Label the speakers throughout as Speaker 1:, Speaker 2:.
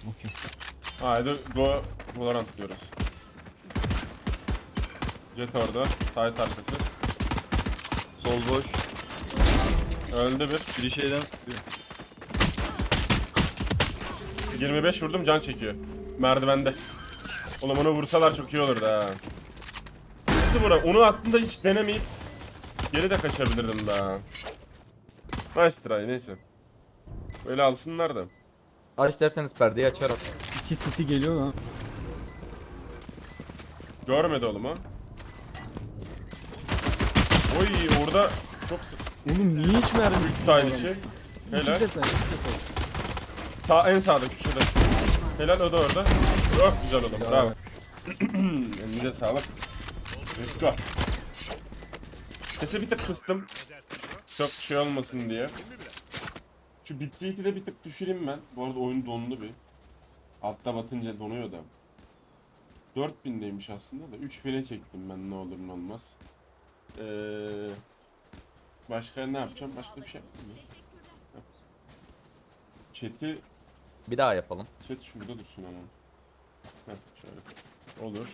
Speaker 1: Okey.
Speaker 2: Haydi go Valorant diyoruz. Jet orada. Side arkası.
Speaker 3: Sol boş.
Speaker 2: Öldü bir.
Speaker 3: Biri şeyden sıkıyor.
Speaker 2: 25 vurdum, can çekiyor. Merdivende. Oğlum onu vursalar çok iyi olurdu ha. Nasıl vura? Onu aslında hiç denemeyip geri de kaçabilirdim daha. Nice try, neyse. Böyle alsınlar da.
Speaker 4: Aç derseniz perdeyi açarım.
Speaker 1: 2 city geliyor lan.
Speaker 2: Görmedi oğlum ha. Oy orada çok
Speaker 1: Oğlum niye hiç mermi?
Speaker 2: 3 side içi. Helal. En sağda köşede. Helal, o da orada. Çok güzel oğlum, bravo. Elinize sağlık. Let's go. Sesi bir tık kıstım. Çok şey olmasın diye. Şu bitrate'i de bir tık düşüreyim ben. Bu arada oyun dondu bir. Altta batınca donuyor da. 4000'deymiş aslında da 3000'e çektim ben, ne olur ne olmaz. Başka ne yapacağım? Başka bir şey yapmayayım. Chat'i,
Speaker 4: Bir daha yapalım.
Speaker 2: chat şurada dursun ama. Heh, şöyle. Olur.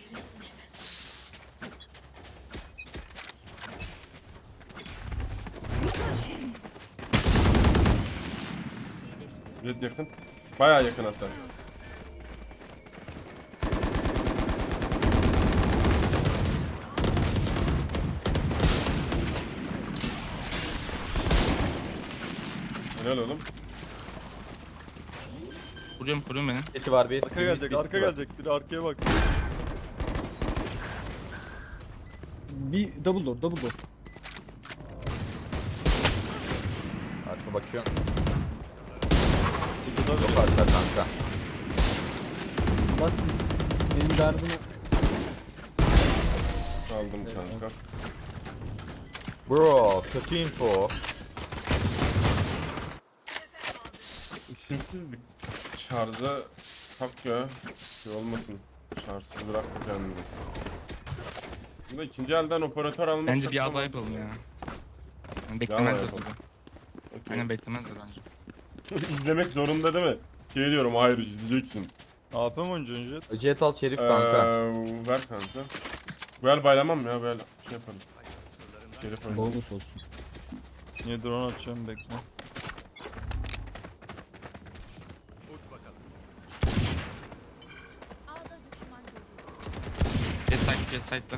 Speaker 2: Red yakın. Bayağı yakın hatta. Helal oğlum.
Speaker 5: Kuruyorum beni.
Speaker 4: Sesi var bir.
Speaker 3: Arka gelecek,
Speaker 4: bir
Speaker 3: arka
Speaker 4: city var.
Speaker 3: gelecek. Biri arkaya bak.
Speaker 1: Bir double door, double door.
Speaker 4: Arka bakıyorum.
Speaker 3: Burada da
Speaker 4: Yok arka kanka.
Speaker 1: Bas. Benim derdim
Speaker 2: Aldım kanka.
Speaker 4: Bro, kötü info.
Speaker 2: İsimsiz bir şarja tak ya. Şey olmasın. Şarjsız bırakma kendini. Burada ikinci elden operatör almak
Speaker 5: Bence
Speaker 2: çok
Speaker 5: bir
Speaker 2: kolay.
Speaker 5: ada yapalım ya. Yani
Speaker 2: Yağma
Speaker 5: beklemezler
Speaker 2: yapalım.
Speaker 5: burada.
Speaker 2: Okey.
Speaker 5: Aynen beklemezler bence.
Speaker 2: İzlemek zorunda değil mi? Şey diyorum, hayır izleyeceksin.
Speaker 3: AP mi oynayacaksın Jet?
Speaker 4: Jet al Şerif kanka.
Speaker 2: Ver kanka. Böyle baylamam ya, böyle şey yaparız. Şerif oynayalım.
Speaker 1: bonus olsun.
Speaker 3: Niye drone atacağım bekle.
Speaker 6: A'da düşman görüldü.
Speaker 5: Jet side'da.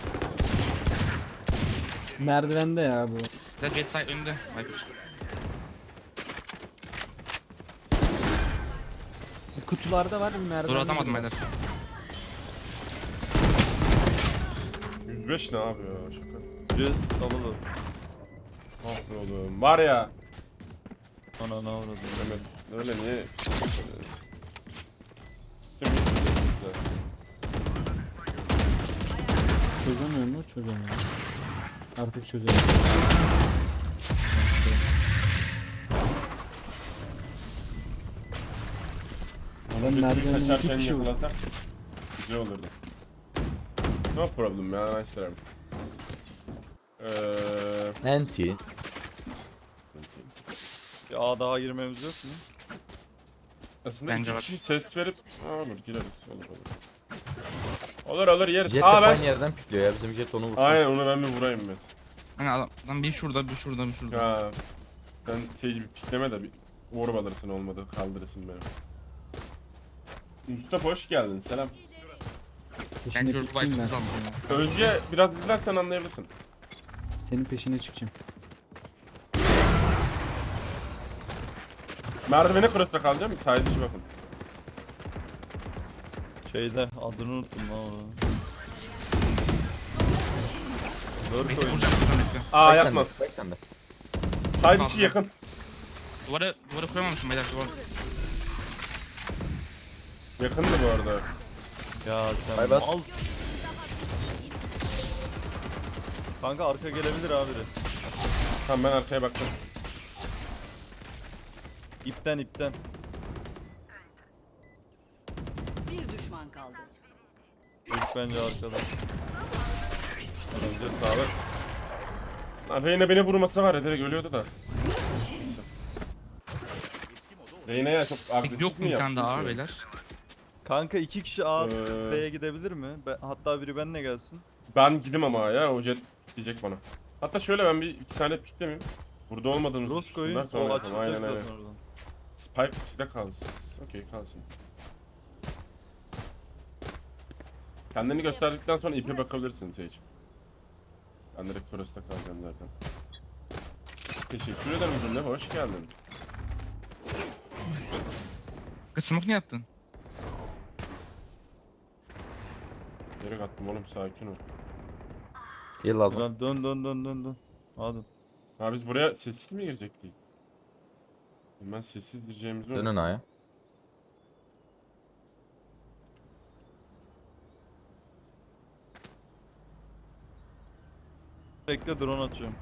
Speaker 1: Merdivende ya bu.
Speaker 5: Jet side önünde. Viper.
Speaker 1: Kutularda var mı merdivende?
Speaker 5: Dur atamadım beyler.
Speaker 2: 105 ne yapıyor şaka?
Speaker 3: Jet dalalı.
Speaker 2: Ah be oğlum. Var ya.
Speaker 3: Ana ne avradı.
Speaker 2: Mehmet öyle niye?
Speaker 1: Çözemiyor mu? Çözemiyor. Artık çözemiyor. Adam merdivende iki
Speaker 2: Kaçarken
Speaker 1: kişi var.
Speaker 2: yakalasak güzel olurdu. No problem ya, nice try.
Speaker 4: Anti.
Speaker 3: Bir A daha girmemiz yok mu?
Speaker 2: Aslında
Speaker 5: Bence
Speaker 2: iki
Speaker 5: var.
Speaker 2: kişi ses verip olur gireriz, olur olur. Olur yeriz.
Speaker 4: Jet
Speaker 2: Aa ben.
Speaker 4: aynı yerden pikliyor ya. Bizim jet onu vursun.
Speaker 2: Aynen, onu ben bir vurayım ben.
Speaker 5: Hani adam bir şurada bir şurada bir şurada.
Speaker 2: Ya sen şey bir pikleme de bir orb alırsın, olmadı kaldırırsın beni. Mustafa hoş geldin, selam.
Speaker 1: Peşine
Speaker 5: Bence orada
Speaker 1: çıkayım ben.
Speaker 5: Viper'ımızı alsın ya.
Speaker 2: Özge biraz izlersen anlayabilirsin.
Speaker 1: Senin peşine çıkacağım.
Speaker 2: Merdivene kırıkta kalacağım, sahil dışı bakın.
Speaker 3: Şeyde adını unuttum lan onu. Dört
Speaker 5: Bekle
Speaker 3: oyun.
Speaker 5: vuracağım bekle.
Speaker 2: Aa
Speaker 4: Bak
Speaker 2: yapmaz.
Speaker 4: sende, bak sende.
Speaker 2: Sahil dışı yakın.
Speaker 5: Duvara kuramamışım beyler duvar.
Speaker 2: Yakındı bu arada.
Speaker 3: Ya sen
Speaker 4: Bay bay.
Speaker 3: mal. Kanka arka gelebilir abi.
Speaker 2: Tamam ben arkaya baktım.
Speaker 3: İpten.
Speaker 6: Bir düşman kaldı.
Speaker 3: İlk bence arkada.
Speaker 2: Önce sağlık. Abi yine beni vurması var ya, direkt ölüyordu da. Neyse. Reyna'ya çok agresif
Speaker 5: Yok mu
Speaker 2: mi
Speaker 5: bir tane daha
Speaker 2: yaptın
Speaker 5: var
Speaker 2: ki?
Speaker 5: beyler?
Speaker 3: Kanka 2 kişi A
Speaker 2: Ee.
Speaker 3: B'ye gidebilir mi? Hatta biri benimle gelsin.
Speaker 2: Ben gidim ama ya o jet diyecek bana. Hatta şöyle ben bir 2 saniye piklemeyeyim. Burada olmadığımızı
Speaker 3: Roscoe'yu
Speaker 2: düşünsünler sonra
Speaker 3: o
Speaker 2: yapalım.
Speaker 3: açılacak
Speaker 2: Aynen aynen.
Speaker 3: zaten oradan.
Speaker 2: Spike bizde kalsın. Okey kalsın. Kendini gösterdikten sonra ipe bakabilirsin Sage. Ben direkt Toros'ta kalacağım zaten. Teşekkür ederim Cümle, hoş geldin.
Speaker 5: Kız smoke niye attın?
Speaker 2: Direkt attım oğlum, sakin ol.
Speaker 4: İyi lazım.
Speaker 3: Güzel, dön. Hadi.
Speaker 2: Ha biz buraya sessiz mi girecektik? Ben sessiz gireceğimizi
Speaker 4: Dönün
Speaker 2: unuttum.
Speaker 4: aya.
Speaker 3: Bekle drone atıyorum.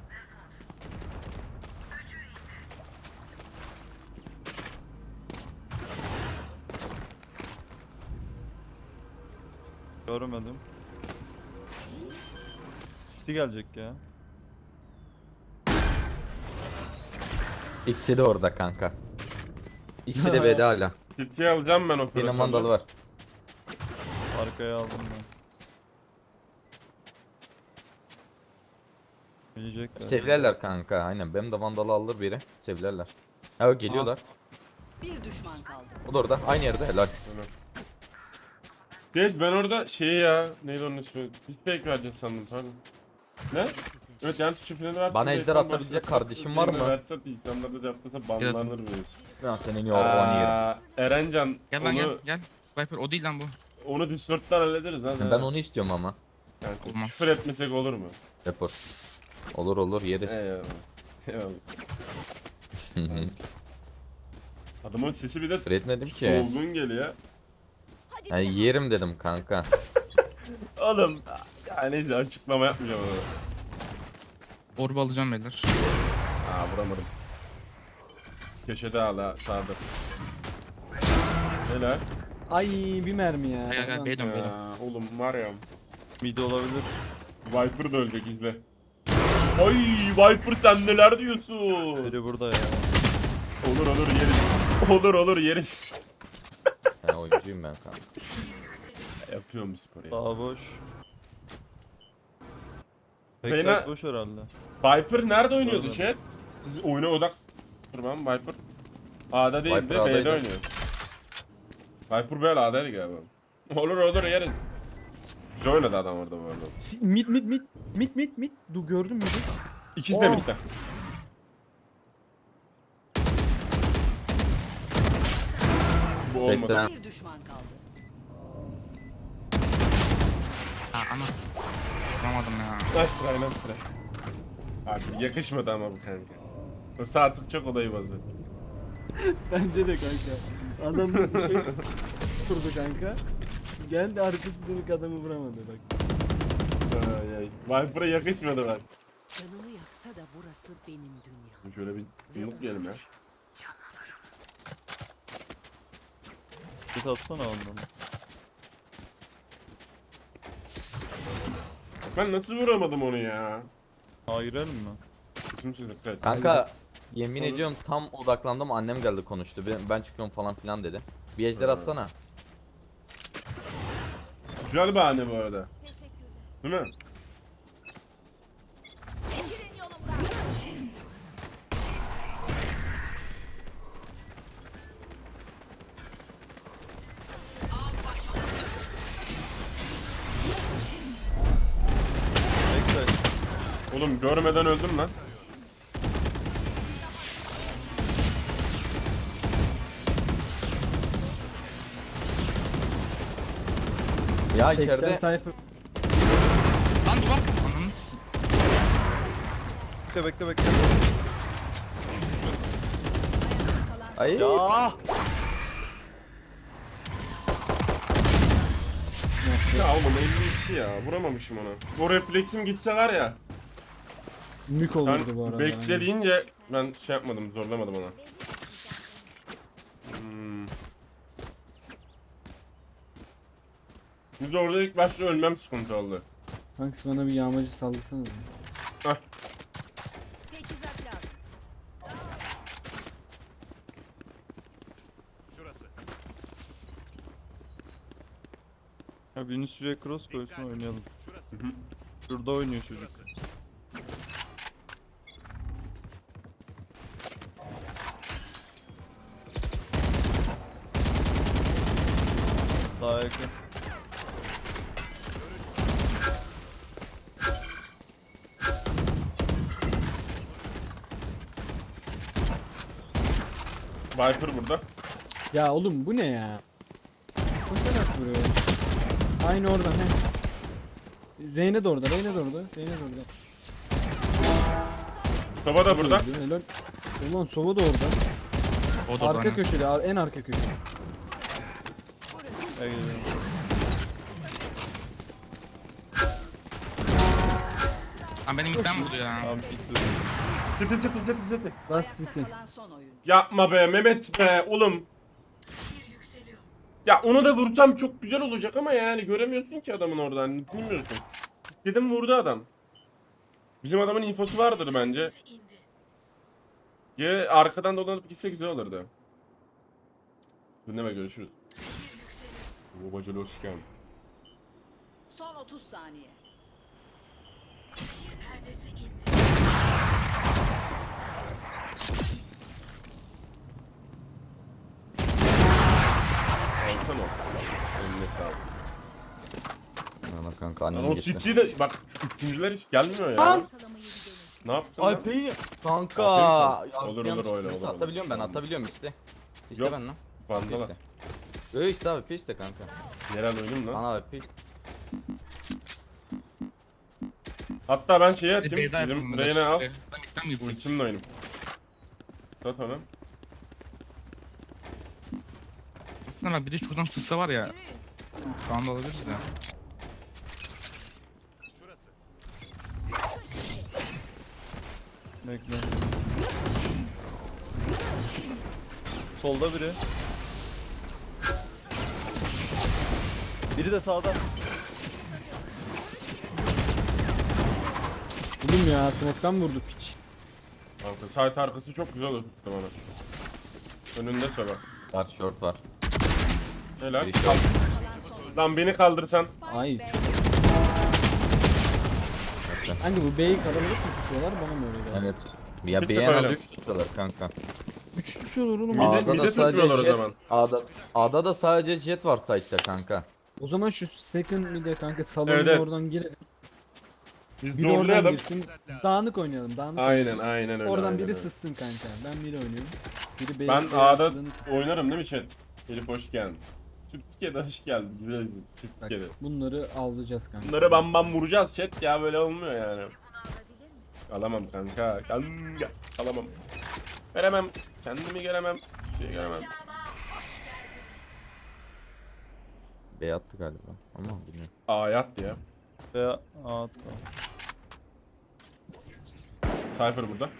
Speaker 3: Görmedim. City gelecek ya.
Speaker 4: İkisi de orada kanka. İkisi de B'de hala.
Speaker 2: City'yi alacağım ben o
Speaker 4: Yine
Speaker 2: Toros'ta.
Speaker 4: mandalı var.
Speaker 3: Arkaya aldım ben. Gelecekler.
Speaker 4: Sevlerler kanka aynen. Benim de vandalı alır biri. Sevlerler. Ha geliyorlar.
Speaker 6: Bir düşman kaldı.
Speaker 4: O da orada. Aynı yerde helal.
Speaker 2: Geç ben orada ya neydi onun ismi? Biz pek vereceğiz sandım pardon. Ne? Evet yani tuşu freni ver.
Speaker 4: Bana ejder atabilecek kardeşim var mı?
Speaker 2: Verse insanlar da cevaplasa banlanır mıyız?
Speaker 4: Ben senin yorganı yerim.
Speaker 2: Erencan
Speaker 5: Gel lan
Speaker 2: onu,
Speaker 5: gel. Viper o değil lan bu.
Speaker 2: onu Discord'dan hallederiz lan.
Speaker 4: Ben onu istiyorum ama.
Speaker 2: Yani
Speaker 5: Olmaz.
Speaker 2: küfür etmesek olur mu?
Speaker 4: Rapor. Olur yeriz.
Speaker 2: Eyvallah. Eyvallah. Adamın sesi bir de
Speaker 4: Küfür etmedim ki.
Speaker 2: solgun geliyor.
Speaker 4: Yani yerim dedim kanka.
Speaker 2: Oğlum yani neyse açıklama yapmayacağım ona.
Speaker 5: Orba alacağım beyler.
Speaker 2: Vuramadım. Köşede hala sağda. Helal.
Speaker 1: Ay bir mermi ya.
Speaker 5: Gel gel B'ye dön B'ye dön.
Speaker 2: Oğlum var ya.
Speaker 3: Mid olabilir.
Speaker 2: Viper da ölecek izle. Ay Viper sen neler diyorsun?
Speaker 3: Biri burada ya.
Speaker 2: Olur yeriz. Olur yeriz.
Speaker 4: Yani oyuncuyum ben kanka.
Speaker 2: Yapıyorum bu sporu ya.
Speaker 3: Daha boş.
Speaker 2: Fena-
Speaker 3: Backside boş herhalde.
Speaker 2: Viper nerede oynuyordu
Speaker 3: Görmedim.
Speaker 2: chat? Siz oyuna odak... Durmam Viper. A'da değil
Speaker 4: Viper
Speaker 2: de B'de
Speaker 4: A'daydı.
Speaker 2: oynuyor. Viper böyle A'daydı galiba. Olur yeriz. Güzel oynadı adam orada bu arada.
Speaker 1: Mid. Gördün mü?
Speaker 2: İkisi de
Speaker 1: Oh.
Speaker 2: bitti. Bu olmadı.
Speaker 4: 80.
Speaker 6: Bir düşman kaldı.
Speaker 5: Ha ana. Vuramadım ya.
Speaker 2: Nice try. Abi yakışmadı ama bu kanka. O sağ tık çok olayı bozdu.
Speaker 1: Bence de kanka. Adam bir şey kurdu kanka. Geldi arkası dönük adamı vuramadı bak.
Speaker 2: Viper'a yakışmadı bak.
Speaker 6: Canımı yaksa da burası benim dünya.
Speaker 2: Şöyle bir yumruk yiyelim ya.
Speaker 3: Git atsana ondan.
Speaker 2: Ben nasıl vuramadım onu ya?
Speaker 3: A girelim mi?
Speaker 2: Bütün çocuklar.
Speaker 4: Kanka yemin
Speaker 2: Olur.
Speaker 4: ediyorum tam odaklandım annem geldi konuştu. Ben çıkıyorum falan filan dedi. Bir ejder atsana.
Speaker 2: Güzel bahane bu arada. Değil mi?
Speaker 3: Backside.
Speaker 2: Oğlum görmeden öldüm lan.
Speaker 4: Ya
Speaker 1: 80
Speaker 4: içeride
Speaker 1: sayfa.
Speaker 5: Lan duvar. Ananı s***.
Speaker 3: Bekle.
Speaker 4: ay
Speaker 3: Ya.
Speaker 2: Ya oğlum 52 ya. Vuramamışım ona. O refleksim gitse var ya.
Speaker 1: Mük
Speaker 2: Sen
Speaker 1: olurdu bu arada.
Speaker 2: bekle deyince ben şey yapmadım, zorlamadım ona. Biz orada ilk başta ölmem sıkıntı oldu.
Speaker 1: Kanka bana bir yağmacı sallasanız.
Speaker 6: Teçhizat lazım.
Speaker 3: Ya birini şuraya cross koysun oynayalım. Şurada oynuyor çocuk. Daha yakın.
Speaker 2: Viper burada.
Speaker 1: Ya oğlum bu ne ya? Koşarak vuruyor. Aynı oradan he. Reyne de orada, Reyne de orada, Reyne de orada.
Speaker 2: Soba da burada.
Speaker 1: Öldü, helal. Ulan Sova da orada.
Speaker 5: O da
Speaker 1: Arka
Speaker 5: bana.
Speaker 1: köşede, en arka köşede.
Speaker 3: Gel geliyorum.
Speaker 5: Lan beni midden vurdu ya.
Speaker 3: Tamam bitti.
Speaker 2: City.
Speaker 1: Last City.
Speaker 6: Kalan son oyuncu.
Speaker 2: Yapma be Mehmet be oğlum. Ya onu da vursam çok güzel olacak ama yani göremiyorsun ki adamın oradan. Bilmiyorsun. Dedim vurdu adam. Bizim adamın infosu vardır bence. Ya arkadan dolanıp gitse güzel olurdu. Dinleme görüşürüz. Babacılı hoş geldin.
Speaker 6: Son 30 saniye.
Speaker 2: Alsana o. Eline sağlık.
Speaker 4: Ana kanka
Speaker 2: Lan
Speaker 4: annem
Speaker 2: o
Speaker 4: gitti.
Speaker 2: çiftçiyi de bak şu üçüncüler hiç gelmiyor ya.
Speaker 1: Lan!
Speaker 2: Ne yaptın
Speaker 4: Ay
Speaker 2: lan?
Speaker 4: peyi. Kanka.
Speaker 2: Aferin sana.
Speaker 4: Ya,
Speaker 2: Olur,
Speaker 4: yanlış
Speaker 2: olur, öyle,
Speaker 4: birisi
Speaker 2: olur,
Speaker 4: Atabiliyorum ben
Speaker 2: olur.
Speaker 4: atabiliyorum işte. İste
Speaker 2: Yok.
Speaker 4: ben lan.
Speaker 2: Vandal at.
Speaker 4: Öyle işte abi piste kanka.
Speaker 2: Yerel oyunum lan.
Speaker 4: Ana abi pist.
Speaker 2: Hatta ben şeyi
Speaker 5: Hadi
Speaker 2: atayım.
Speaker 5: Beyza yapalım
Speaker 2: Bizim
Speaker 5: beyler.
Speaker 2: Reyna al.
Speaker 5: Ben midden mi gitsek?
Speaker 2: Ultimle oynayayım. Sat onu.
Speaker 5: Aslında biri şuradan sızsa var ya. Şu anda alabiliriz de.
Speaker 3: Bekle. Solda biri. Biri de sağda.
Speaker 1: Oğlum ya, smoke'tan vurdu piç.
Speaker 2: Kanka site arkası çok güzel oturttum onu. Önünde sola.
Speaker 4: Var short var.
Speaker 2: Helal.
Speaker 4: Biri short.
Speaker 2: Lan beni kaldırsan.
Speaker 1: Ay çok. Hangi bu B'yi kalabalık mı tutuyorlar, bana mı öyle geldi?
Speaker 4: Evet. Ya
Speaker 2: Bir
Speaker 4: bir
Speaker 2: sıfır
Speaker 4: en az
Speaker 2: öyle.
Speaker 4: 3 tutuyorlar kanka.
Speaker 1: 3 tutuyorlar oğlum.
Speaker 2: Mide-
Speaker 4: A'da
Speaker 2: mide
Speaker 4: da sadece
Speaker 2: tutmuyorlar o
Speaker 4: jet.
Speaker 2: zaman.
Speaker 4: A'da da sadece jet var site'da kanka.
Speaker 1: O zaman şu second mid'e kanka salonun
Speaker 2: Evet, evet.
Speaker 1: oradan girelim.
Speaker 2: Biz
Speaker 1: Biri oradan
Speaker 2: doğrulayalım.
Speaker 1: girsin. Dağınık oynayalım, dağınık.
Speaker 2: Aynen öyle.
Speaker 1: Oradan
Speaker 2: aynen
Speaker 1: biri
Speaker 2: öyle.
Speaker 1: sızsın kanka. Ben biri oynuyorum. Biri B'yi
Speaker 2: Ben
Speaker 1: B'ye
Speaker 2: A'da
Speaker 1: atladığını-
Speaker 2: oynarım değil mi chat? Elif hoş geldin. Türkiye'de hoş geldin. Güzel izin.
Speaker 1: Bak,
Speaker 2: Türkiye'de.
Speaker 1: bunları avlayacağız kanka.
Speaker 2: Bunları bam bam vuracağız chat ya, böyle olmuyor yani. Alamam kanka. Kanka. Alamam. Veremem. Kendimi göremem. Şey göremem.
Speaker 4: B attı galiba. Ama bilmiyorum.
Speaker 2: Ayat ya.
Speaker 3: Veya attı.
Speaker 2: Cypher burada.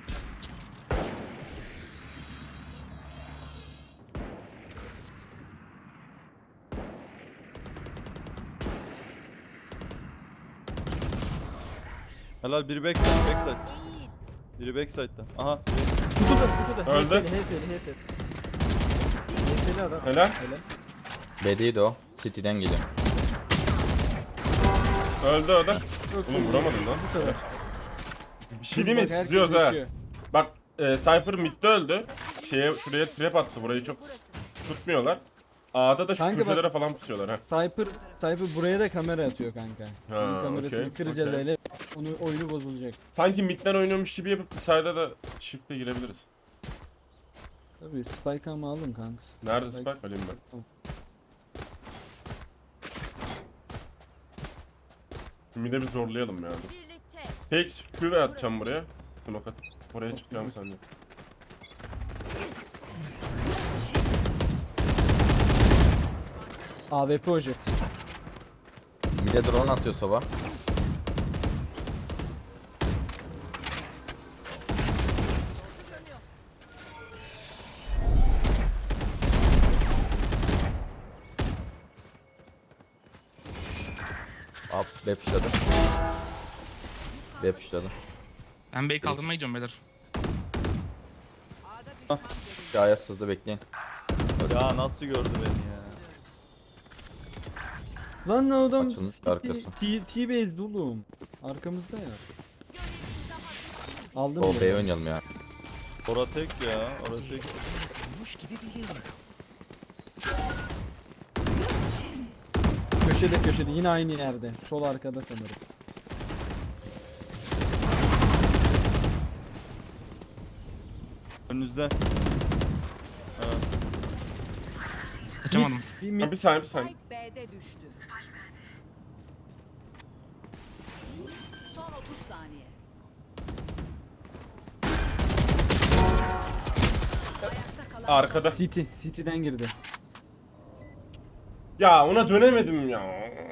Speaker 3: Helal biri backside backside. Biri backside'da. Aha.
Speaker 1: Kutuda.
Speaker 2: Öldü.
Speaker 1: HS'li. HS'li adam.
Speaker 2: Helal.
Speaker 4: B'deydi o. City'den geliyor.
Speaker 2: Öldü o da.
Speaker 1: Çok
Speaker 2: Oğlum
Speaker 1: iyi.
Speaker 2: vuramadım lan.
Speaker 1: Bu kadar.
Speaker 2: Bir şey değil mi?
Speaker 1: Bak, herkes
Speaker 2: Sızıyoruz ha.
Speaker 1: yaşıyor.
Speaker 2: Bak Cypher midde öldü. Şuraya trap attı. Burayı çok tutmuyorlar. A'da da şu
Speaker 1: Kanka bak-
Speaker 2: köşelere falan pusuyorlar ha.
Speaker 1: Cypher buraya da kamera atıyor kanka.
Speaker 2: Ha,
Speaker 1: Onun kamerasını
Speaker 2: okey,
Speaker 1: kıracağız
Speaker 2: okey.
Speaker 1: öyle. Onu oyunu bozulacak.
Speaker 2: Sanki midden oynuyormuş gibi yapıp bir side'a da shift'e girebiliriz.
Speaker 1: Tabii Spike ama alın kanka.
Speaker 2: Nerede Spike? Alayım ben.
Speaker 1: Tamam.
Speaker 2: Mid'e bir zorlayalım yani. Peki Q've atacağım buraya. Smoke at. Oraya çıkacağım sende.
Speaker 1: AWP ojet.
Speaker 4: Bir de drone atıyor soba. Up B pushladı. B pushladı.
Speaker 5: Ben B'yi kaldırmaya gidiyorum beyler.
Speaker 4: Gayet sızdı bekleyin.
Speaker 3: Ya nasıl gördü beni ya?
Speaker 1: Lan ne adam
Speaker 4: Açılmış arkası.
Speaker 1: T-base'di oğlum. Arkamızda ya. Aldım.
Speaker 4: O
Speaker 1: bile.
Speaker 4: B'ye oynayalım ya.
Speaker 3: Ora tek ya. Ora tek.
Speaker 1: Köşede yine aynı yerde. Sol arkada sanırım.
Speaker 3: Önünüzde. Ha.
Speaker 5: Kaçamadım.
Speaker 1: Bir mid.
Speaker 2: Ha, bir saniye bir saniye.
Speaker 6: Spike B'de düştü. Son 30 saniye. Ayakta kalan
Speaker 2: Arkada.
Speaker 1: City'den girdi.
Speaker 2: Ya ona dönemedim ya.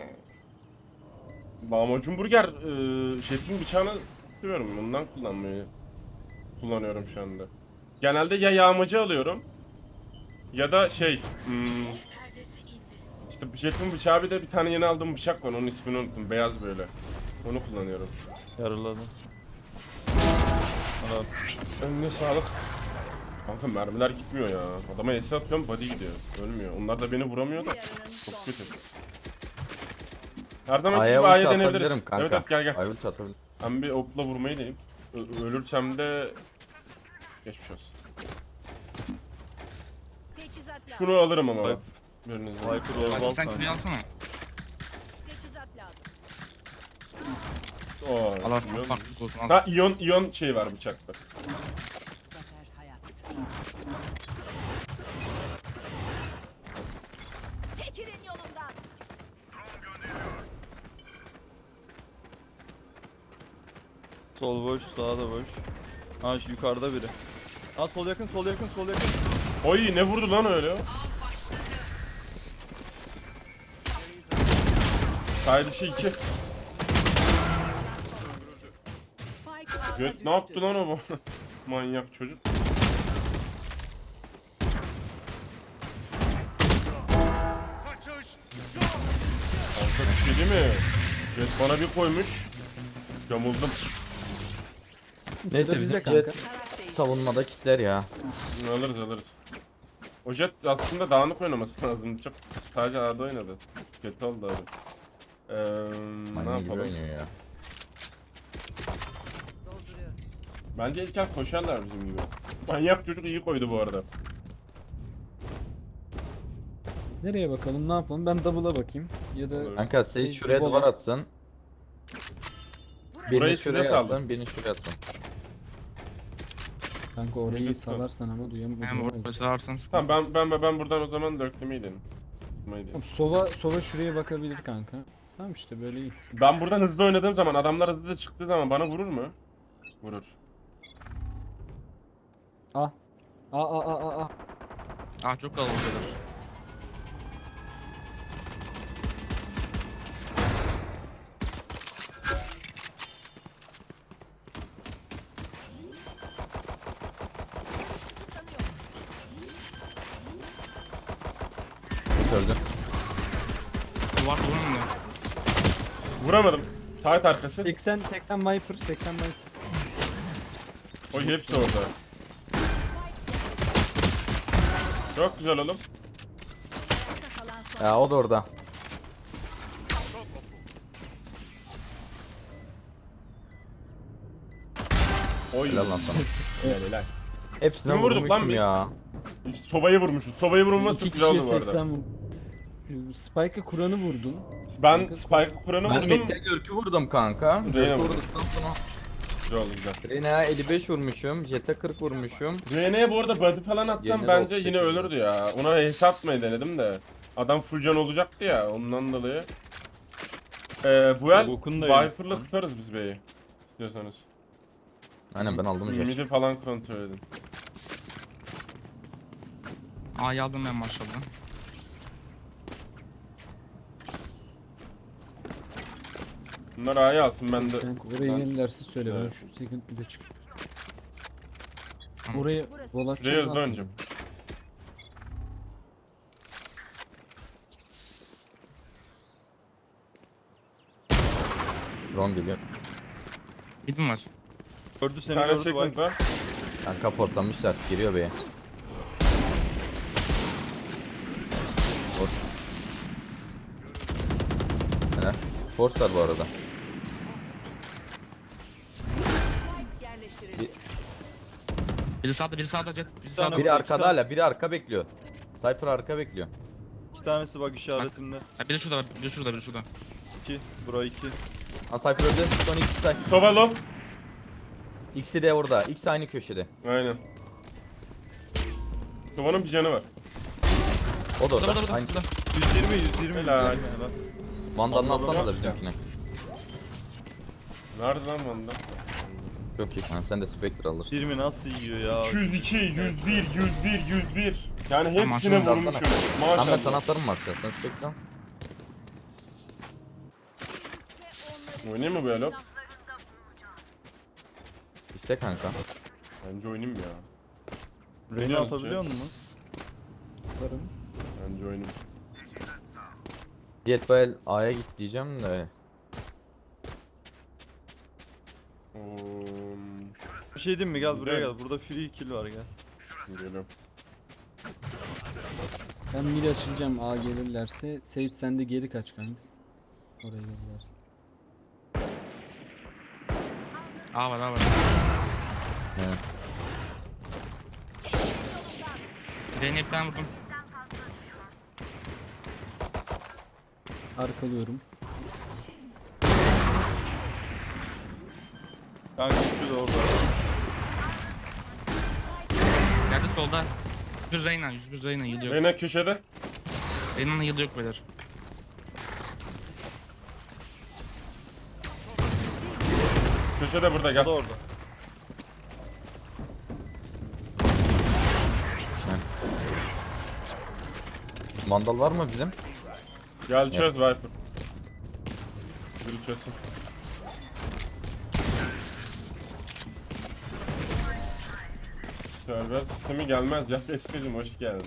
Speaker 2: Lahmacun burger Jet'in bıçağını tutuyorum. Bundan kullanıyorum şu anda. Genelde ya yağmacı alıyorum ya da işte Jet'in bıçağı, bir de bir tane yeni aldığım bıçak var, onun ismini unuttum, beyaz böyle. Onu kullanıyorum.
Speaker 3: Yarıladım. Ana.
Speaker 2: Önüne sağlık. Kanka mermiler gitmiyor ya. Adama ace atıyorum, body gidiyor. Ölmüyor. Onlar da beni vuramıyor da.
Speaker 6: yarının
Speaker 2: Çok
Speaker 6: son.
Speaker 2: kötü. Her zamanki
Speaker 4: A'ya
Speaker 2: gibi
Speaker 4: ulti
Speaker 2: A'ya deneyebiliriz.
Speaker 4: atabilirim kanka.
Speaker 2: Evet evet, gel gel.
Speaker 4: A'ya ulti atabilirim.
Speaker 2: Ben bir okla vurmayı deneyim. Ölürsem de geçmiş olsun.
Speaker 6: Teçhizat lazım.
Speaker 2: Şunu alırım ama.
Speaker 3: Vay.
Speaker 2: Biriniz
Speaker 3: Viper
Speaker 5: Bak
Speaker 3: Oval
Speaker 5: sen
Speaker 3: kanka.
Speaker 5: küreği alsana.
Speaker 6: Teçhizat lazım.
Speaker 2: Oo,
Speaker 5: Al al.
Speaker 2: iyon.
Speaker 5: Farklı olsun al.
Speaker 2: Ha iyon şey var bıçakta.
Speaker 6: Zafer hayat. Çekilin yolumdan.
Speaker 3: Sol boş, sağ da boş. Ha şu yukarıda biri. Ha sol yakın, sol yakın, sol yakın.
Speaker 2: Oy ne vurdu lan öyle? Side dışı 2.
Speaker 6: Spike A'da
Speaker 2: Jet
Speaker 6: düştü.
Speaker 2: ne yaptı lan o bu? Manyak çocuk. Kanka bir şey değil mi? Jet bana bir koymuş. Yamuldum.
Speaker 4: Neyse
Speaker 1: Sıra
Speaker 4: bizim
Speaker 1: bizde kanka.
Speaker 4: Jet savunmada kitler ya.
Speaker 2: Alırız. O Jet aslında dağınık oynaması lazım. Çok sadece A'da oynadı. Jet oldu abi. Ne
Speaker 4: Manyak gibi
Speaker 2: yapalım?
Speaker 4: oynuyor ya.
Speaker 6: Dolduruyorum.
Speaker 2: Bence ilk el koşarlar bizim gibi. Manyak çocuk iyi koydu bu arada.
Speaker 1: Nereye bakalım, ne yapalım? Ben double'a bakayım. Ya da
Speaker 2: Olur.
Speaker 4: Kanka Sage şuraya
Speaker 1: Bola.
Speaker 4: duvar atsın.
Speaker 2: Burayı
Speaker 4: Birini
Speaker 2: size
Speaker 4: şuraya
Speaker 2: saldım.
Speaker 4: atsın, birini şuraya atsın.
Speaker 1: kanka orayı
Speaker 2: Lütfen.
Speaker 1: salarsan ama
Speaker 5: Hem
Speaker 1: duyamıyorum.
Speaker 5: orada çalarsan
Speaker 2: Tamam ben buradan o zaman dörtlemeyi dedim. Tutmayı dedim.
Speaker 1: Sova şuraya bakabilir kanka. Tamam işte böyle iyi.
Speaker 2: Ben buradan hızlı oynadığım zaman, adamlar hızlı çıktığı zaman bana vurur mu? Vurur.
Speaker 1: Ah. Ah.
Speaker 5: Aa çok kalabalıklar.
Speaker 4: Gördün.
Speaker 5: Duvar duvar mı?
Speaker 2: Vuramadım. Saat arkası.
Speaker 1: 80 Viper, 80 Viper.
Speaker 2: O hepsi orada. Çok güzel oğlum.
Speaker 6: Kalan son.
Speaker 4: Ya o da orada.
Speaker 2: Oy.
Speaker 4: Helal lan sana.
Speaker 2: Helal.
Speaker 4: Hepsine
Speaker 2: Kimi vurduk lan
Speaker 4: vurmuşum
Speaker 2: bir?
Speaker 4: ya.
Speaker 2: Soba'yı vurmuşuz. Soba'yı vurması
Speaker 1: İki
Speaker 2: çok güzel
Speaker 1: kişiye
Speaker 2: oldu bu arada.
Speaker 1: 80 Spike'ı Kur'an'ı vurdun.
Speaker 2: Ben Spike Kur'an'ı
Speaker 4: Ben
Speaker 2: vurdum.
Speaker 4: Mid'de Görk'ü vurdum kanka.
Speaker 2: Reyna
Speaker 4: Görk'ü
Speaker 2: vurdu.
Speaker 4: vurduktan sonra
Speaker 2: Güzel oldu güzel.
Speaker 4: Reyna'ya 55 vurmuşum. Jet'e 40 vurmuşum.
Speaker 2: Rene'ye bu arada body falan atsam
Speaker 4: Yerine de
Speaker 2: bence
Speaker 4: 38
Speaker 2: yine ölürdü ya. Ona ace atmayı denedim de. Adam full can olacaktı ya, ondan dolayı. Bu el
Speaker 3: Bokun da
Speaker 2: Viper'la tutarız biz B'yi. İstiyorsanız.
Speaker 4: Aynen ben aldım Jet.
Speaker 2: Mid'i falan kontrol edin.
Speaker 5: A'yı aldım ben maşallah.
Speaker 2: Bunlar A'yı alsın, ben de.
Speaker 1: Kanka oraya
Speaker 2: Ben-
Speaker 1: gelirlerse söyle, ben
Speaker 2: Evet.
Speaker 1: şu second bir de çık.
Speaker 5: Tamam.
Speaker 1: Oraya
Speaker 6: Burası.
Speaker 1: volat
Speaker 2: Şuraya hızlı oynayacağım.
Speaker 4: Drone geliyor.
Speaker 5: Mid mi var?
Speaker 3: Gördü
Speaker 2: Bir
Speaker 3: seni
Speaker 2: tane
Speaker 3: gördü
Speaker 2: second
Speaker 3: bak.
Speaker 2: var.
Speaker 4: Kanka fortlamışlar. Giriyor B'ye. Boş. Force var bu arada.
Speaker 6: Spike yerleştirildi.
Speaker 5: Biri sağda, biri sağda Jet. Biri sağda.
Speaker 4: Biri arkada hala, biri arka bekliyor. Cypher arka bekliyor.
Speaker 3: 2 tanesi bak işaretimde.
Speaker 5: Ha, biri şurada var, biri şurada, biri şurada.
Speaker 3: 2. Bura 2.
Speaker 4: Ha Cypher öldü. Son ikisi de.
Speaker 2: Tovalo.
Speaker 4: İkisi de orada. İkisi aynı köşede.
Speaker 2: Aynen. Tovanın bir canı var.
Speaker 4: O da orada.
Speaker 5: Burada, burada,
Speaker 4: Aynı.
Speaker 5: burada.
Speaker 3: 120.
Speaker 2: Helal.
Speaker 4: Vandalını
Speaker 2: Vandal'ı
Speaker 4: atsana da
Speaker 2: yok
Speaker 4: bizimkine.
Speaker 2: Nerede lan bunda?
Speaker 4: Çok iyi kanka, sen de Spectre alırsın.
Speaker 3: 20 nasıl yiyor ya?
Speaker 2: 202, 101, 101, 101. Yani
Speaker 5: Tamam,
Speaker 2: hepsine
Speaker 5: şunu
Speaker 2: vurmuşum.
Speaker 4: Ahmet
Speaker 2: Maşallah.
Speaker 4: sanatlarım var ya, sen Spectre al.
Speaker 2: Oynayayım mı böyle?
Speaker 4: İste kanka.
Speaker 2: Bence oynayayım ya.
Speaker 3: Reyna
Speaker 2: Oynuyoruz
Speaker 3: atabiliyor
Speaker 2: ya.
Speaker 3: musun?
Speaker 1: Varım.
Speaker 2: Bence oynayayım.
Speaker 4: Jetbel A'ya git diyeceğim de.
Speaker 3: Bir şey diyeyim mi? Gel buraya
Speaker 2: Gel.
Speaker 3: gel. Burada free kill var gel.
Speaker 2: Geliyorum.
Speaker 1: Ben mid açılacağım A gelirlerse. Seyit sen de geri kaç kanka. Oraya gelirlerse.
Speaker 5: A var, A var.
Speaker 4: Evet.
Speaker 5: Reyna bir tane vurdum.
Speaker 1: Arkalıyorum.
Speaker 3: Kanka şu da orada.
Speaker 5: Geldi solda. 101 Reyna, 101 Reyna yılı yok.
Speaker 2: Reyna köşede.
Speaker 5: Reyna'nın yılı yok beyler.
Speaker 2: Köşede burada
Speaker 3: O
Speaker 2: gel.
Speaker 3: da orada.
Speaker 4: Vandal var mı bizim?
Speaker 2: Gel çöz Viper. Biri çözsün. Server sistemi gelmez. Can Eskacım hoş geldin.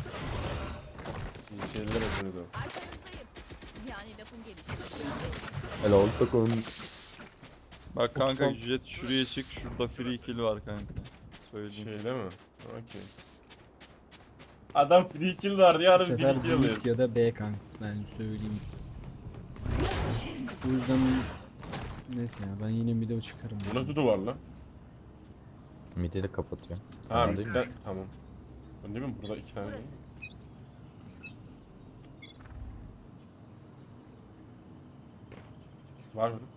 Speaker 2: İyi seyirler hepinize.
Speaker 6: Arkanızdayım. Yani lafın gelişi.
Speaker 4: Helal takım.
Speaker 3: Bak kanka jet şuraya çık. Şurada free kill var kanka. Söyleyeyim.
Speaker 2: Şeyde mi? Okey. Adam free kill var diye
Speaker 1: Bu
Speaker 2: harbi
Speaker 1: sefer
Speaker 2: free kill alıyor.
Speaker 1: mid ya da B kanks ben söyleyeyim. O yüzden neyse ya ben yine mid'e çıkarım.
Speaker 2: Bu nasıl duvar lan?
Speaker 4: Midi de kapatıyor.
Speaker 2: Ha
Speaker 4: Tamam değil mi?
Speaker 2: midden tamam. Ben değil mi? Burada iki tane.
Speaker 6: Burası.
Speaker 2: Var mı?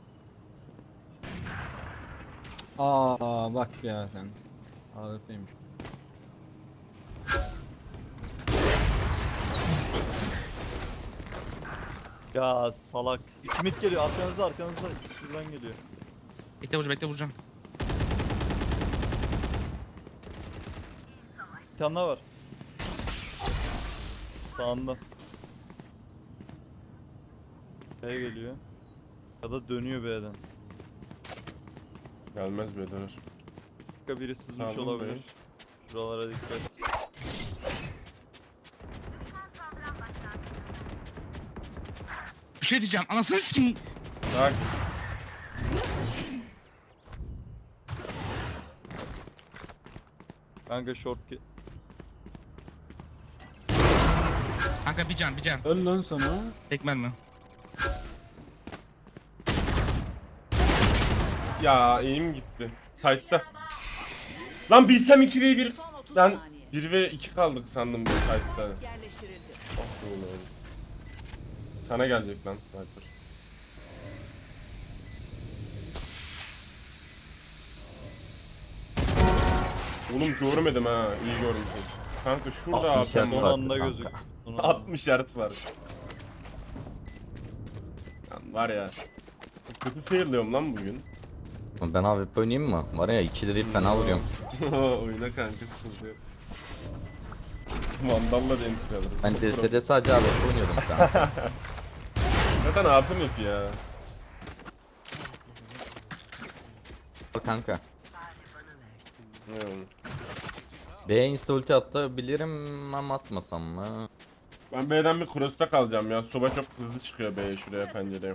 Speaker 1: Aa bak ya sen. AWP'ymiş.
Speaker 3: Ya salak. 2 mid geliyor arkanızda arkanızda. Şuradan geliyor.
Speaker 5: Bekle vuracağım, bekle vuracağım.
Speaker 3: Bir tane daha var. Sağında. B geliyor. Ya da dönüyor B'den.
Speaker 2: Gelmez be dönür.
Speaker 3: Başka biri sızmış
Speaker 2: Sağ olun
Speaker 3: olabilir.
Speaker 2: bey.
Speaker 3: Şuralara dikkat.
Speaker 5: Bir şey diyeceğim, anasını sikeyim.
Speaker 2: Bak.
Speaker 3: Kanka short ki.
Speaker 5: Kanka bir can, bir can.
Speaker 1: Öl lan sana.
Speaker 5: Tekmen mi?
Speaker 2: Ya eğim gitti. Kayıtta. Lan bilsem 2v1.
Speaker 6: Son 30
Speaker 2: Ben
Speaker 6: saniye.
Speaker 2: 1 ve 2 kaldık sandım bu kayıtta.
Speaker 6: Yerleştirildi.
Speaker 2: Oh, oğlum. Sana gelecek lan Viper. Oğlum görmedim ha. İyi görmüşüm. Kanka şurada
Speaker 4: 60
Speaker 2: APM
Speaker 4: Hz
Speaker 3: Son
Speaker 2: var.
Speaker 3: anda
Speaker 4: kanka.
Speaker 3: gözük.
Speaker 2: 60 Hz var. Lan var ya. Kötü failliyorum lan bugün.
Speaker 4: Ben AWP oynayayım mı? Var ya 2 lirayı fena vuruyorum.
Speaker 2: Oyuna kanka sıkıntı yok. Vandal'la denk alırız.
Speaker 4: Ben DS'de sadece AWP oynuyordum kanka.
Speaker 2: Zaten APM yok ya.
Speaker 4: Kanka.
Speaker 2: Ne oğlum?
Speaker 4: B'ye insta ulti atabilirim ama atmasam mı?
Speaker 2: Ben B'den bir cross'ta kalacağım ya. Soba çok hızlı çıkıyor B'ye şuraya pencereye.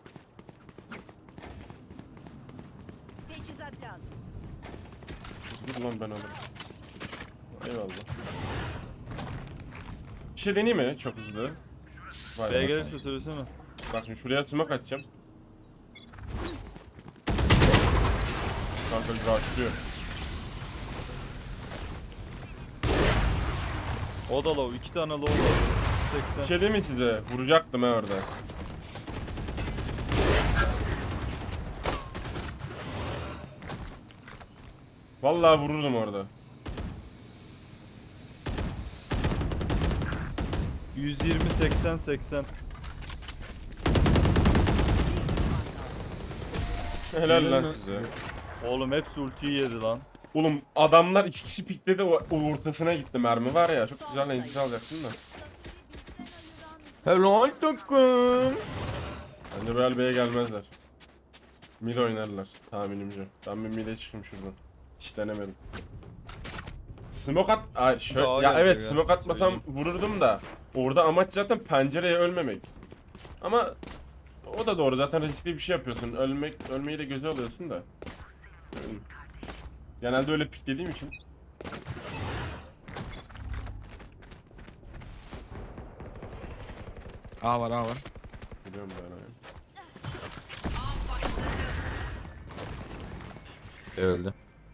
Speaker 6: Teçhizat lazım.
Speaker 2: Dur lan ben alırım. Eyvallah. Bir şey deneyeyim mi? Çok hızlı. Vay
Speaker 3: B'ye
Speaker 2: be.
Speaker 3: gelirse söylesene.
Speaker 2: Bak şimdi şuraya smoke atacağım. Kanka rushlıyor.
Speaker 3: O da low. 2 tane low var.
Speaker 2: Bir
Speaker 3: 80.
Speaker 2: şey değil mi size? Vuracaktım ha orada. Vallahi vururdum orada.
Speaker 3: 120 80 80.
Speaker 2: Helal lan
Speaker 1: mi?
Speaker 2: size.
Speaker 3: Oğlum hepsi ultiyi yedi lan.
Speaker 2: Oğlum adamlar 2 kişi pikledi, o ortasına gitti mermi var ya, çok güzel entry alacaksın da.
Speaker 4: Helal takım.
Speaker 2: Bence Real B'ye gelmezler. Mid oynarlar tahminimce. Ben bir mid'e çıkayım şuradan. Hiç denemedim. Smoke at... Ay, şöyle...
Speaker 3: Daha
Speaker 2: Ya
Speaker 3: geldi
Speaker 2: evet
Speaker 3: ya,
Speaker 2: smoke atmasam
Speaker 3: söyleyeyim.
Speaker 2: vururdum da. Orada amaç zaten pencereye ölmemek. Ama o da doğru, zaten riskli bir şey yapıyorsun. Ölmeyi de göze alıyorsun da. Genelde öyle piklediğim için.
Speaker 5: A var A var.
Speaker 2: Biliyorum ben abi.
Speaker 4: Öldü.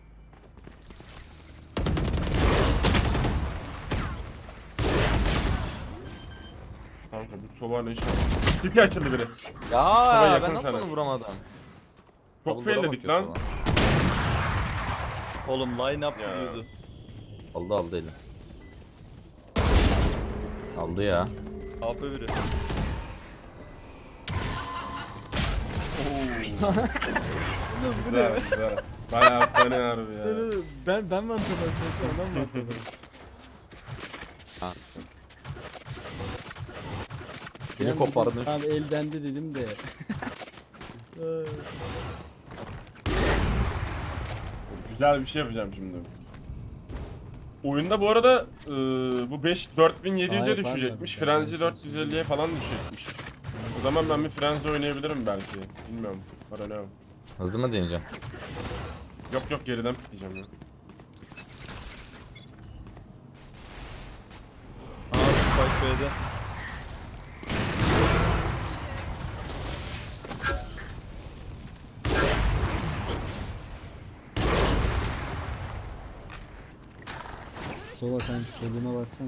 Speaker 2: Kanka bu soba ne iş yapıyor? Tipi açıldı biri.
Speaker 4: Ya
Speaker 2: yakın
Speaker 4: ben nasıl
Speaker 2: sana.
Speaker 4: onu vuramadım?
Speaker 2: Çok
Speaker 4: Double
Speaker 2: failledik
Speaker 4: door'a
Speaker 2: lan.
Speaker 4: bakıyor
Speaker 3: Oğlum line up
Speaker 2: Ya.
Speaker 3: gidiyordu.
Speaker 4: sonra. Aldı eli. Aldı ya.
Speaker 3: AP biri.
Speaker 2: Güzel güzel. Bayağı fena harbi ya.
Speaker 1: Ben mi atladım? Adam mı atladı?
Speaker 4: Seni kopardın.
Speaker 1: Abi eldendi dedim de.
Speaker 2: Güzel bir şey yapacağım şimdi. Oyunda bu arada bu 4700'e
Speaker 1: Hayır,
Speaker 2: düşecekmiş.
Speaker 1: pardon.
Speaker 2: Frenzy 450'ye falan düşecekmiş. O zaman ben bir Frenzy oynayabilirim belki. Bilmiyorum. I don't know.
Speaker 4: Hızlı mı deneyeceğim?
Speaker 2: Yok yok, geriden pikleyeceğim ya.
Speaker 3: Aa Spike B'de.
Speaker 1: Sola sen soluna baksana.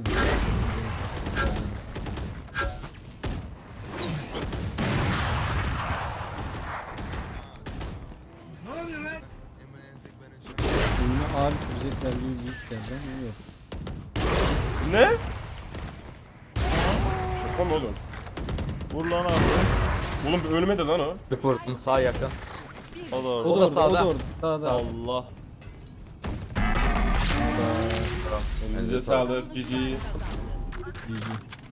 Speaker 1: Oyunu ağır bitirecekler gibi bir his geldi ama yok.
Speaker 2: Ne? Şaka mı oğlum?
Speaker 3: Vur lan abi.
Speaker 2: Oğlum ölmedi lan o.
Speaker 4: Bir vurdum sağ yakın.
Speaker 3: O da orada.
Speaker 1: O da orada,
Speaker 4: sağda.
Speaker 1: o da orada. Sağda.
Speaker 3: Allah.
Speaker 2: Elinize sağlık. GG.
Speaker 1: GG.